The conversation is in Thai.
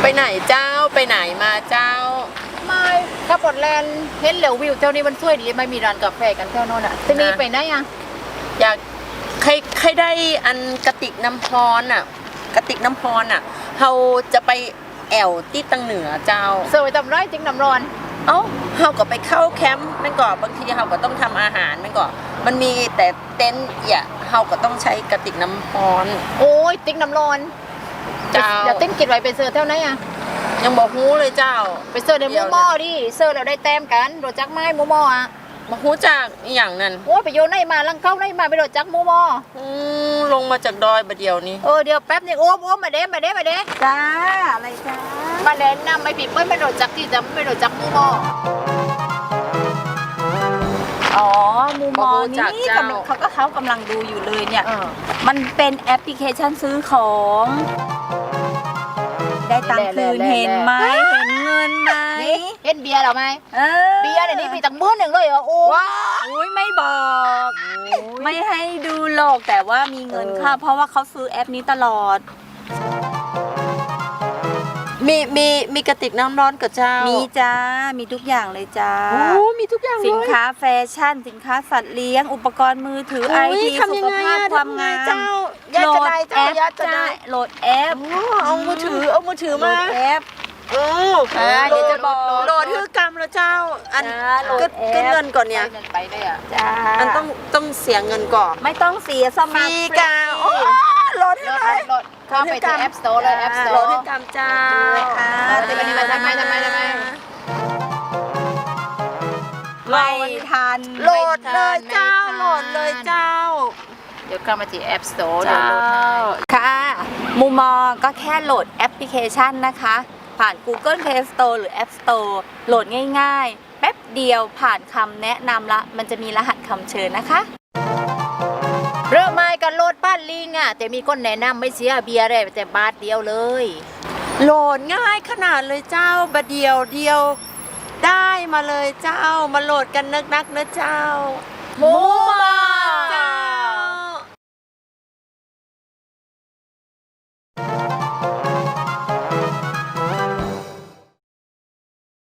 ไหนเจ้าไปไหนมาเจ้าไม่ขับรถแลนเห็นเหลววิวเจ้านี้มันสวยดีไม่มีร้านกาแฟกันแถวโน่นอ่ะที่นี่ไปไหนอ่ะอยากใครได้อันกระติกน้ำพรอ่ะกระติกน้ำพรอ่ะเราจะไปแอวที่ตังเหนือเจ้าสวยตำไรจริงน้ำร้อนเอ้าเราก็ไปเข้าแคมป์มันก็บางทีเราก็ต้องทำอาหารมันก็มันมีแต่เต็นท์อย่าเราก็ต้องใช้กระติกน้ำพรโอ้ยติ๊กน้ำร้อนเจ้าเดี๋ยวเต้นกินไว้ไปเสิร์ฟเท่านั้นอ่ะยังบอกฮู้เลยเจ้าไปเสิร์ฟในหมูหม้อดิเสิร์ฟเราได้แต้มกันโดดจักไม้หมูหม้ออ่ะบอกฮู้จากอย่างนั้นโอ้ไปโยนในมาลังเข้าในมาไปโดดจักหมูหม้อลงมาจากดอยบะเดียวนี้เดี๋ยวแป๊บนึงโอ้มาเด้จ้าอะไรจ้ามาเล่นน้ำไม่ผิดไม่โดดจักที่จะไม่โดดจักหมูหม้ออ๋อมูมอนี่เขากำลังดูอยู่เลยเนี่ยมันเป็นแอปพลิเคชันซื้อของได้ตังค์คืนเห็นไหมเห็นเงินไหมเห็นเบียร์หรอไหมเบียร์เดี๋ยวนี้มีตังค์มื้อหนึ่งเลยเหรอโอ้ยไม่บอกไม่ให้ดูหรอกแต่ว่ามีเงินค่ะเพราะว่าเขาซื้อแอปนี้ตลอดมีกระติกน้ำร้อนกับเจ้ามีจ้ามีทุกอย่างเลยจ้าโอ้มีทุกอย่างสินค้าแฟชั่นสินค้าสัตว์เลี้ยงอุปกรณ์มือถือไอทีสุขภาพความงามโหลดแอปจ้าโหลดแอปเอามือถือมาแอปเดี๋ยวจะบอกโหลดคือกรรมแล้วเจ้าอันก็เงินก่อนเนี่ยไปได้อ่ะจ้าอันต้องเสียเงินก่อนไม่ต้องเสียสมัครฟรีกันโหลดให้เลยเข้าไปที่ App Store เลย App Store โหลดให้กรรมเจ้าแต่วันนี้มาทำไมไม่ทันโหลดเลยเจ้าโหลดเลยเจ้าเดี๋ยวเข้ามาที่ App Store เจ้าค่ะมูมอก็แค่โหลดแอปพลิเคชันนะคะผ่าน Google Play Store หรือ App Store โหลดง่ายๆแป๊บเดียวผ่านคำแนะนำละมันจะมีรหัสคำเชิญนะคะเริ่มมากันโหลดบ้านลิงอ่ะแต่มีคนแนะนำไม่เสียเบียร์เลยแต่บาทเดียวเลยโหลดง่ายขนาดเลยเจ้าบะเดียวได้มาเลยเจ้ามาโหลดกันนักนะเจ้ามูมา